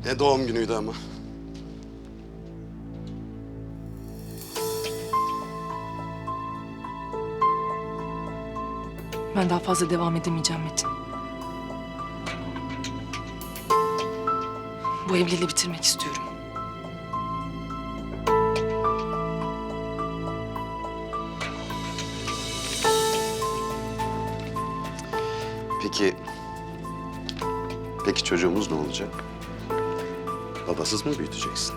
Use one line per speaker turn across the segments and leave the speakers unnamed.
Ne doğum günüydü ama.
Ben daha fazla devam edemeyeceğim Metin. Bu evliliği bitirmek istiyorum.
Peki çocuğumuz ne olacak? Babasız mı büyüteceksin?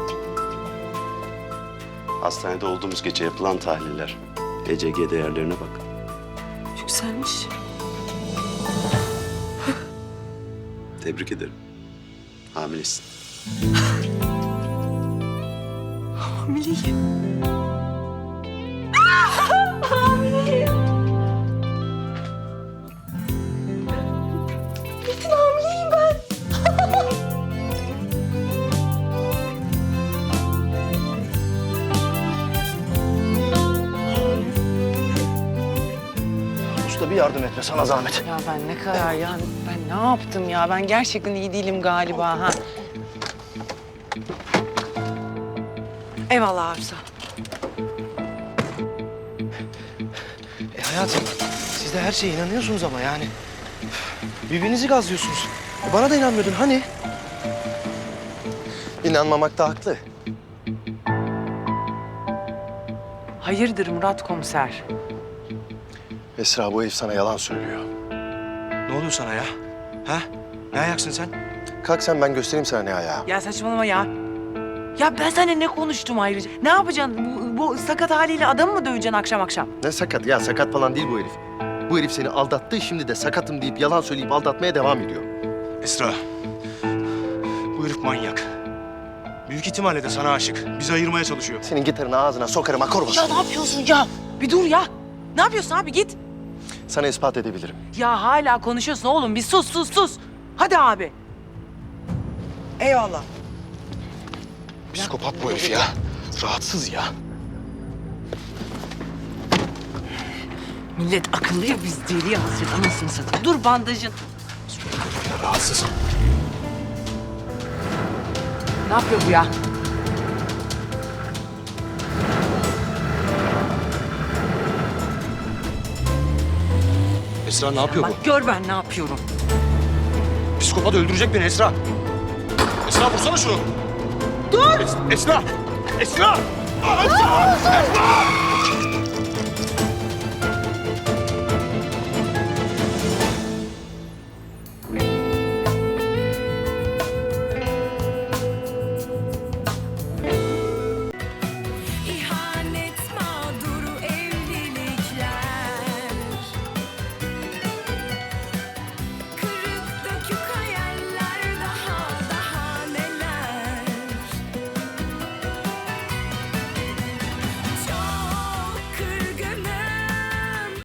Hastanede olduğumuz gece yapılan tahliller, ECG değerlerine bak.
Yükselmiş.
Tebrik ederim. Hamilesin.
Hamileyim. Hamileyim. Metin hamileyim ben.
Usta bir yardım etme sana zahmet.
Ya ben ne kadar ya ben ne yaptım ya? Ben gerçekten iyi değilim galiba ha. Eyvallah Arzu.
Hayatım siz de her şeye inanıyorsunuz ama yani. Birbirinizi gazlıyorsunuz. Bana da inanmıyordun hani? İnanmamakta haklı.
Hayırdır Murat komiser?
Esra bu herif sana yalan söylüyor.
Ne oluyor sana ya? Ha? Ne ayaksın sen?
Kalk sen ben göstereyim sana ne ayağı.
Ya saçmalama ya. Ya ben seninle ne konuştum ayrıca? Ne yapacaksın? Bu sakat haliyle adamı mı döveceksin akşam akşam?
Ne sakat ya, sakat falan değil bu herif. Bu herif seni aldattı, şimdi de sakatım deyip yalan söyleyip aldatmaya devam ediyor.
Esra. Bu herif manyak. Büyük ihtimalle de sana aşık. Bizi ayırmaya çalışıyor.
Senin gitarını ağzına sokarım akor
Ya ne yapıyorsun ya? Bir dur ya. Ne yapıyorsun abi git.
Sana ispat edebilirim.
Ya hala konuşuyorsun oğlum. Bir sus. Hadi abi. Eyvallah.
Psikopat bu herif ya. Rahatsız ya.
Millet akıllı ya biz deli hasret anasını satayım. Dur bandajın.
Rahatsız.
Ne yapıyor bu ya?
Esra ne yapıyor
Bak gör ben ne yapıyorum.
bu? Psikopat öldürecek beni Esra. Esra vursana şunu. Dur! Esra! Esra! Esra! Esra!